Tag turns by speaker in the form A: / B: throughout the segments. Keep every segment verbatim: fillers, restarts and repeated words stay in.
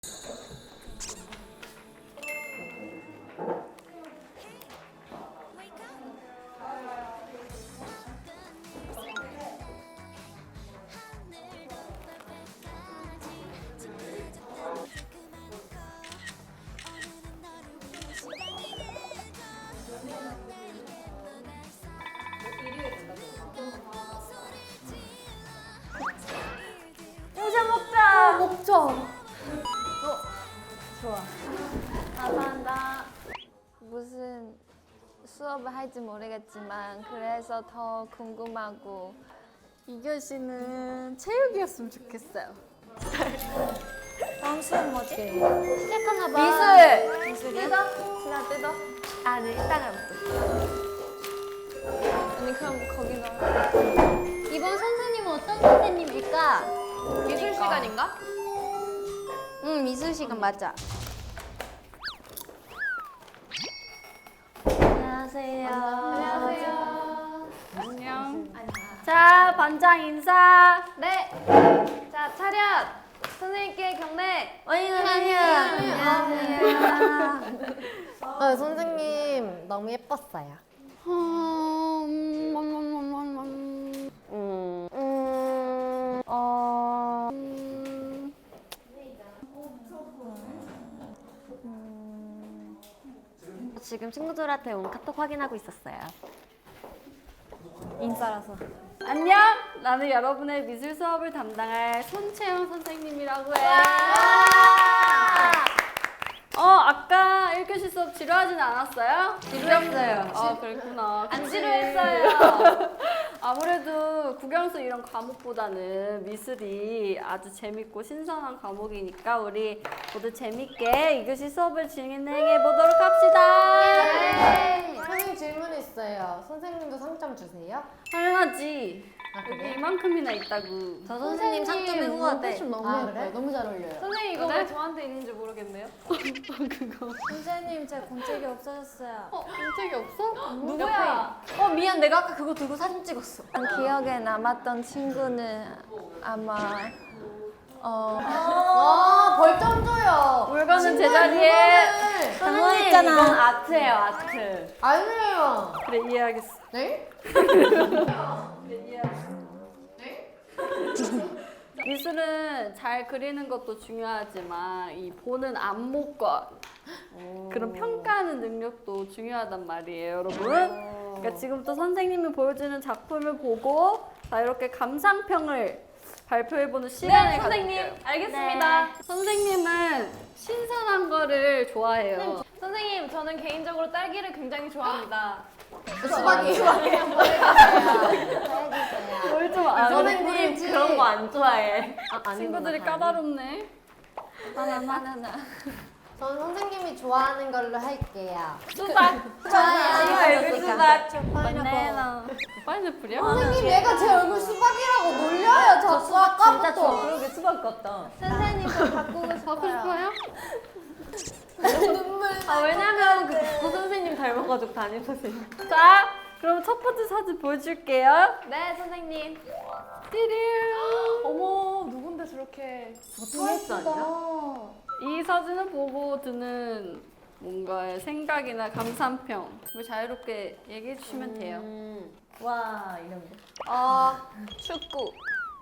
A: 요새 먹자.
B: 먹자.
A: 어, 좋아. 감사합니다. 무슨 수업을 할지 모르겠지만 그래서 더 궁금하고
B: 이 교시는 체육이었으면 좋겠어요.
A: 다음 수업 뭐지?
B: 시작하나 봐.
A: 미술!
B: 미술이요?
A: 뜯어? 신아 뜯어?
B: 아, 네, 이따가 또.
A: 언니 그럼 거기 넣어.
B: 이번 선생님은 어떤 선생님일까?
A: 미술 시간인가?
B: 응, 미술 시간 맞아. 안녕하세요.
A: 안녕하세요.
B: 안녕. 자, 반장 인사.
A: 네. 자, 차렷. 선생님께 경례.
B: 안녕하세요. 안녕하세요.
C: 아, 선생님 너무 예뻤어요.
B: 음,
C: 음, 음, 어,
B: 음,
C: 지금 친구들한테 온 카톡 확인하고 있었어요.
B: 인싸라서. 안녕. 나는 여러분의 미술 수업을 담당할 손채영 선생님이라고 해. 어, 아까 일 교시 수업 지루하진 않았어요?
A: 지루했어요.
B: 아, 그랬구나.
A: 안
B: 그치?
A: 지루했어요.
B: 아무래도 국영수 이런 과목보다는 미술이 아주 재밌고 신선한 과목이니까 우리 모두 재밌게 이 교시 수업을 진행해 보도록 합시다.
A: 네.
C: 선생님 질문 있어요. 선생님도 상점 주세요?
B: 당연하지.
C: 아,
B: 여기
C: 그래?
B: 이만큼이나 있다고.
C: 저 선생님 상점이 후하대.
D: 너무
C: 아,
D: 예뻐요.
C: 그래?
D: 너무 잘 어울려요.
A: 선생님 이거
B: 그래?
A: 왜 저한테 있는지 모르겠네요.
B: 그거.
D: 선생님 제 공책이 없어졌어요.
B: 어, 인책이 없어?
A: 누구야?
D: 어 미안 내가 아까 그거 들고 사진 찍었어.
A: 기억에 남았던 친구는 아마 어
C: 와, 벌점 줘요.
B: 물건은 제자리에.
C: 물건을.
B: 당황했잖아. 이건 아트예요, 아트.
C: 아니에요.
B: 그래, 이해하겠어.
C: 네?
B: 그래, 이해하겠어. 미술은 잘 그리는 것도 중요하지만 이 보는 안목과 그런 평가하는 능력도 중요하단 말이에요, 여러분. 그러니까 지금부터 선생님이 보여주는 작품을 보고 자 이렇게 감상평을 발표해보는 시간을
A: 네, 선생님.
B: 가질게요.
A: 알겠습니다.
B: 선생님은 신선한 거를 좋아해요.
A: 선생님, 저는 개인적으로 딸기를 굉장히 좋아합니다.
C: 수박이에요.
B: 뭘 좀 아는
C: 선생님 그런 거
B: 안 좋아해.
C: 아,
B: 친구들이
C: 아니구나,
B: 까다롭네.
A: 바나나. 바나나.
C: 전 선생님이 좋아하는 걸로 할게요.
B: 수박.
C: 좋아요.
B: 수박. 바나나. 파인애플이야?
C: 선생님 얘가 제 얼굴 수박이라고 놀려요. 자꾸 아까부터.
D: 그러게 수박 같다.
A: 선생님, 저 바꾸고
B: 갖고
A: 싶어요.
B: 싶어요?
C: 눈물.
B: 아 왜냐면 그 국어 선생님 닮아가지고 담임 선생님. 자, 그럼 첫 번째 사진 보여줄게요.
A: 네, 선생님.
B: 띠리.
A: 어머, 누군데 저렇게.
B: 스트레스 아니야? 이 사진을 보고 드는 뭔가의 생각이나 감상평 뭐 자유롭게 얘기해 주시면 돼요.
C: 음.
D: 와 이런 거.
A: 어, 축구.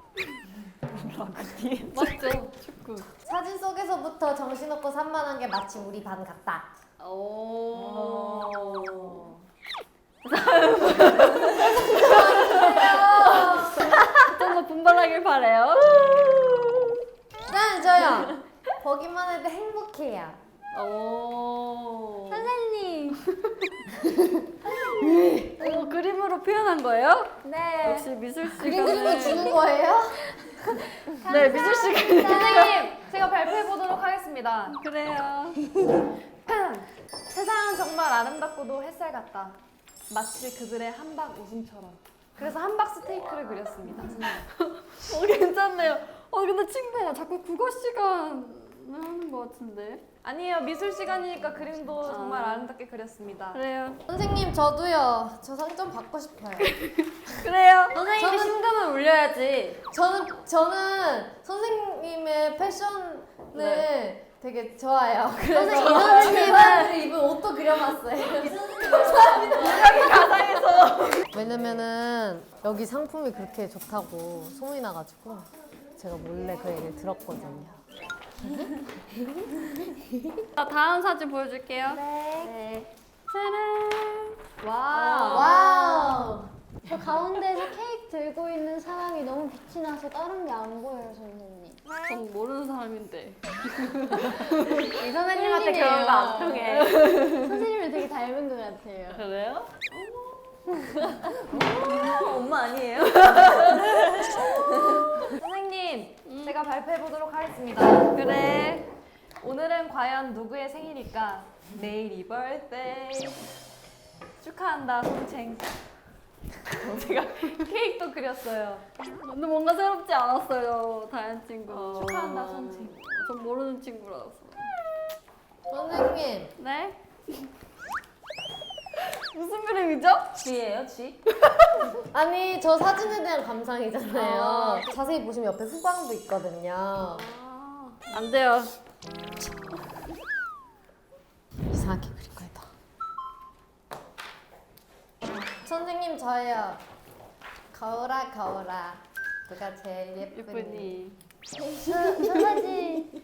B: 맞죠? 축구.
C: 사진 속에서부터 정신없고 산만한 게 마치 우리 반 같다.
B: 오. 좀 더 분발하길 바래요.
C: 난 저요. 보기만 해도 행복해요.
B: 오.
A: 선생님.
B: 오, 그림으로 표현한 거예요?
A: 네.
B: 역시 미술
C: 그림 그리고
B: 시간은
C: 주는 거예요?
B: 네 미술 시간.
A: 선생님, 제가 발표해 보도록 하겠습니다.
B: 그래요.
A: 세상은 정말 아름답고도 햇살 같다. 마치 그들의 한박 웃음처럼. 그래서 한박 스테이크를 그렸습니다.
B: 어 괜찮네요. 어 근데 친구야 자꾸 국어 시간 하는 것 같은데.
A: 아니에요, 미술 시간이니까 그림도 정말 아름답게 그렸습니다.
B: 그래요.
C: 선생님 저도요. 저 상점 받고 싶어요.
B: 그래요.
C: 선생님이
B: 저는-
C: 심금을 울려야지. 저는 저는 선생님의 패션을
B: 네.
C: 되게 좋아요. 그래서 이 선생님은 입은 옷도 그려봤어요. 왜냐면은 여기 상품이 그렇게 좋다고 소문이 나가지고 제가 몰래 그 얘기를 들었거든요.
B: 자, 다음 사진 보여줄게요.
C: 네.
B: 짜란.
A: 와우.
C: 와우.
E: 저 가운데에서 케이크 들고 있는 사람이 너무 빛이 나서 다른 게 안 보여요, 선생님.
B: 전 모르는 사람인데.
D: 이 선생님한테 그런 거 안 통해.
E: 선생님을 되게 닮은 것 같아요.
B: 그래요?
D: 엄마 아니에요?
A: 선생님, 제가 발표해 보도록 하겠습니다.
B: 그래.
A: 오늘은 과연 누구의 생일일까? 내일이 birthday. 축하한다, 송챙. 제가 케이크도 그렸어요.
B: 근데 뭔가 새롭지 않았어요, 다현 친구.
A: 축하한다, 송챙.
B: 전 모르는 친구라서.
C: 선생님.
B: 네? 무슨 그림이죠?
D: 쥐예요, 쥐?
C: 아니 저 사진에 대한 감상이잖아요.
B: 아.
C: 자세히 보시면 옆에 후광도 있거든요.
B: 아, 안 돼요.
C: 이상하게 그릴 거예요. 선생님 저예요. 거울아 거울아 누가 제일 예쁘니?
B: 예쁘니.
E: 저, 저 사진.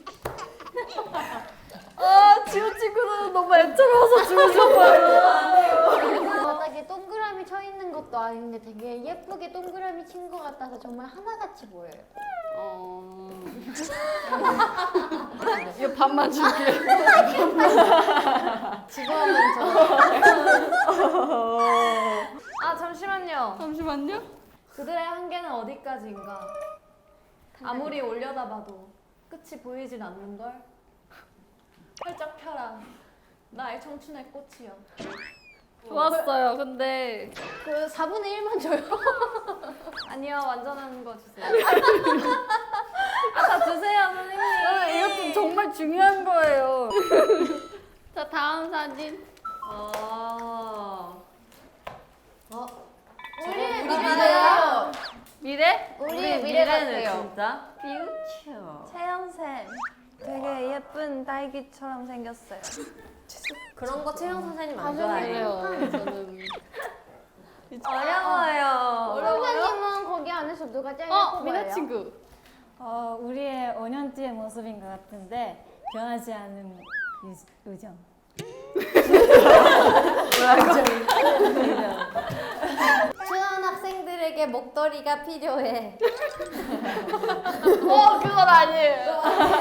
B: 아, 지호 친구는 너무 애처로워서 지워줘봐요.
E: 바닥에 동그라미 쳐 있는 것도 아닌데 되게 예쁘게 동그라미 친 것 같아서 정말 하나같이 보여요.
B: 어. 이거 반만 줄게.
C: 지금은 저
A: 아, 잠시만요.
B: 잠시만요.
A: 그들의 한계는 어디까지인가? 아무리 올려다봐도 끝이 보이진 않는걸? 활짝 펴라. 나의 청춘의 꽃이여.
B: 좋았어요. 근데
E: 그 사분의 일만 줘요.
A: 아니요, 완전한 거 주세요. 아, 다 주세요, 선생님.
B: 아, 이것도 정말 중요한 거예요. 자, 다음 사진.
A: 어.
C: 어?
E: 우리의
C: 우리
E: 미래요.
C: 미래요.
B: 미래?
E: 우리의 미래 같아요.
D: 진짜 퓨처.
F: 채영쌤 되게 예쁜 딸기처럼 생겼어요.
C: 그런 거 채영 선생님 안
E: 나중에
C: 좋아해요.
B: 그래요. 저는
D: 어려워요.
E: 선생님은 거기 안에서 누가 제일
B: 어,
E: 예뻐
B: 미나
E: 보여요?
B: 친구.
G: 어, 우리의 오 년 뒤의 모습인 것 같은데 변하지 않는 유, 우정.
C: 추한 학생들에게 목도리가 필요해.
B: 어, 그건 아니에요.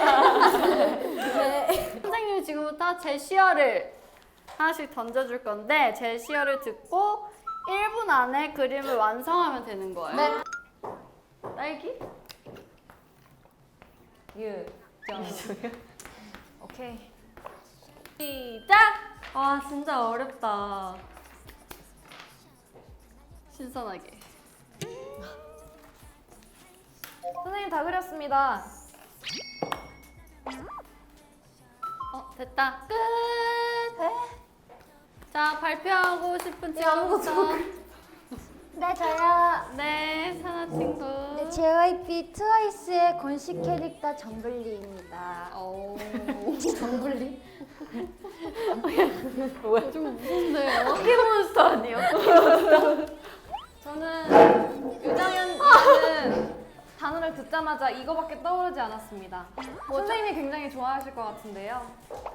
C: 네.
B: 선생님이 지금부터 제시어를 하나씩 던져줄 건데 제시어를 듣고 일 분 안에 그림을 완성하면 되는 거예요.
C: 네.
B: 딸기?
D: 유.
A: 오케이.
B: 시작!
D: 와, 진짜 어렵다.
B: 신선하게.
A: 선생님 다 그렸습니다.
B: 어, 됐다. 끝! 자, 발표하고 싶은 친구부터.
E: 네, 저요.
B: 네, 사나 친구.
E: 네, 제이와이피 트와이스의 공식 캐릭터 정글리입니다.
B: 오.
C: 정불리?
B: 좀 무서운데요? 포켓몬스터 아니에요?
A: 저는 유정현이라는 단어를 듣자마자 이거밖에 떠오르지 않았습니다. 선생님이 굉장히 좋아하실 것 같은데요.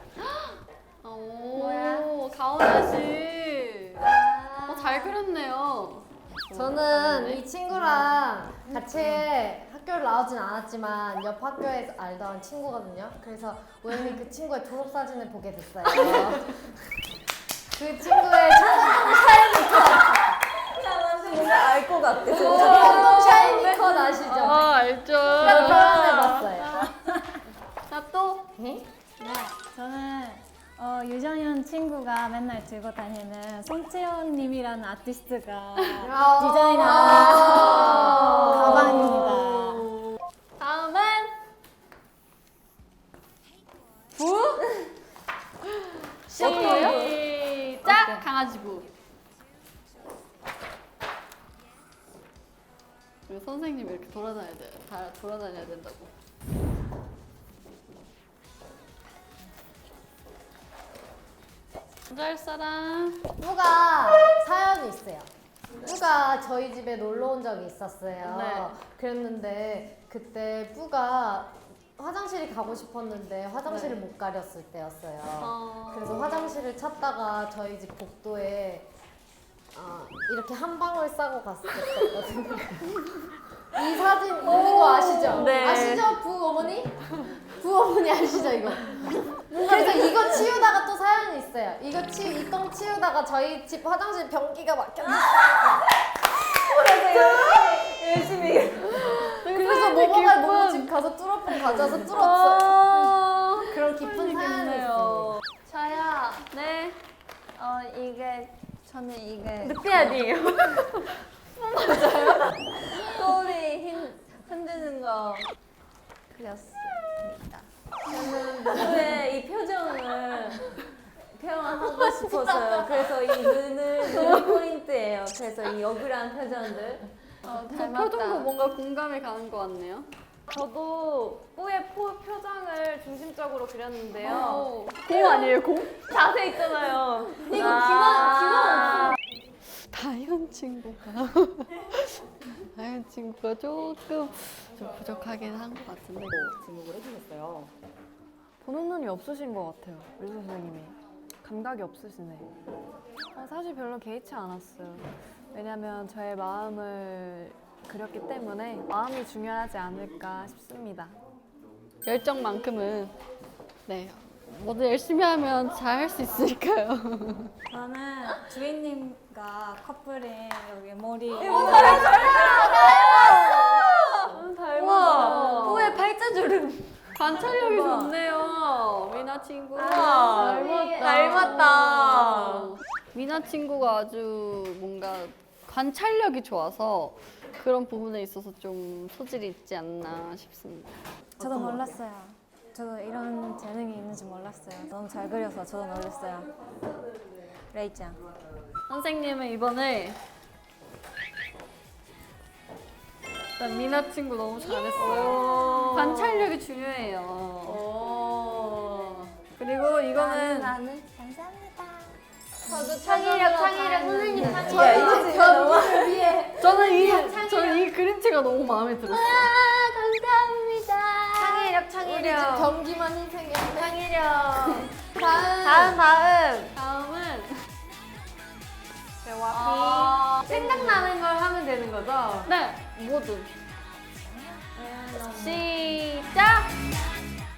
B: 오, 가온아 씨. 어, 잘 그렸네요.
C: 저는 이 친구랑 같이 학교를 나오진 않았지만 옆 학교에서 알던 친구거든요. 그래서 우연히 그 친구의 졸업 사진을 보게 됐어요. 그 친구의 청동
D: 뭔가 알 것 같아.
C: 청동 샤이니 컷 아시죠?
B: 아, 알죠.
C: 그래서 표현해봤어요.
B: 자, 또.
C: 네?
G: 저는 어, 유정현 친구가 맨날 들고 다니는 송채연님이라는 아티스트가 디자인한 가방입니다.
B: 다음은 부 시작 강아지 부. 우리 선생님 이렇게 돌아다녀야 돼. 다 돌아다녀야 된다고. 먼저 할 사람.
C: 뿌가 사연이 있어요. 뿌가 저희 집에 놀러 온 적이 있었어요.
B: 네.
C: 그랬는데 그때 뿌가 화장실이 가고 싶었는데 화장실을
B: 네.
C: 못 가렸을 때였어요.
B: 어...
C: 그래서 화장실을 찾다가 저희 집 복도에 어, 이렇게 한 방울 싸고 갔었거든요. 이 사진 있는 거 아시죠?
B: 네.
C: 아시죠? 부 어머니? 부 어머니 아시죠 이거? 그래서 이거 치우다가 또 사연이 있어요. 이거 치, 이 똥 치우다가 저희 집 화장실 변기가 막혔어요.
F: 열심히.
C: 그래서 모모가 모모 집 가서 뚫어폰 가져와서 뚫었어요. 그런 깊은 사연이 있어요.
F: 저요.
B: 네.
F: 어 이게 저는 이게
B: 늑대 아니에요?
F: 꼬리 힘 흔드는 거 그렸습니다. 저는 누구의 이 표정을 표현하고 싶었어요. 그래서 이 눈은 눈 포인트예요. 그래서 이 억울한 표정들. 어,
B: 저
F: 닮았다.
B: 표정도 뭔가 공감이 가는 것 같네요.
A: 저도 뿌의 포, 표정을 중심적으로 그렸는데요.
B: 어. 공 아니에요, 공?
A: 자세 있잖아요.
F: 이거 기만 기만
B: 다현 친구가 다현 친구가 조금 좀 부족하긴 한 것 같은데.
H: 지목을 해주셨어요.
A: 보는 눈이 없으신 것 같아요, 미술 선생님이. 감각이 없으시네. 어, 사실 별로 개의치 않았어요. 왜냐면 저의 마음을 그렸기 때문에 마음이 중요하지 않을까 싶습니다.
B: 열정만큼은 네 뭐든 열심히 하면 잘 할 수 있으니까요.
G: 저는 주인님과 커플인 여기 머리
B: 우와,
F: 뿌의 팔자주름.
B: 관찰력이 좋네요, 미나 친구.
F: 아,
B: 닮았다.
F: 닮았다.
B: 미나 친구가 아주 뭔가 관찰력이 좋아서 그런 부분에 있어서 좀 소질이 있지 않나 싶습니다.
G: 저도 몰랐어요. 저도 이런 재능이 있는지 몰랐어요. 너무 잘 그려서 저도 놀랐어요. 레이짱.
B: 선생님은 이번에 일단 미나 친구 너무 잘했어요. 관찰력이 중요해요. 그리고 이거는
F: 나는 감사합니다.
E: 저도 창의력, 창의력, 선생님 창의력.
C: 저희 집 변기를 위해
B: 저는 이 저는 이 그림체가 너무 마음에 들었어요.
E: 감사합니다.
F: 창의력
C: 우리 집
F: 창의력.
C: 변기만 희생했네.
F: 창의력.
C: 다음
F: 다음 다음.
B: 다음은
F: 어, 생각나는 걸 하면 되는 거죠?
B: 네 모두 시작.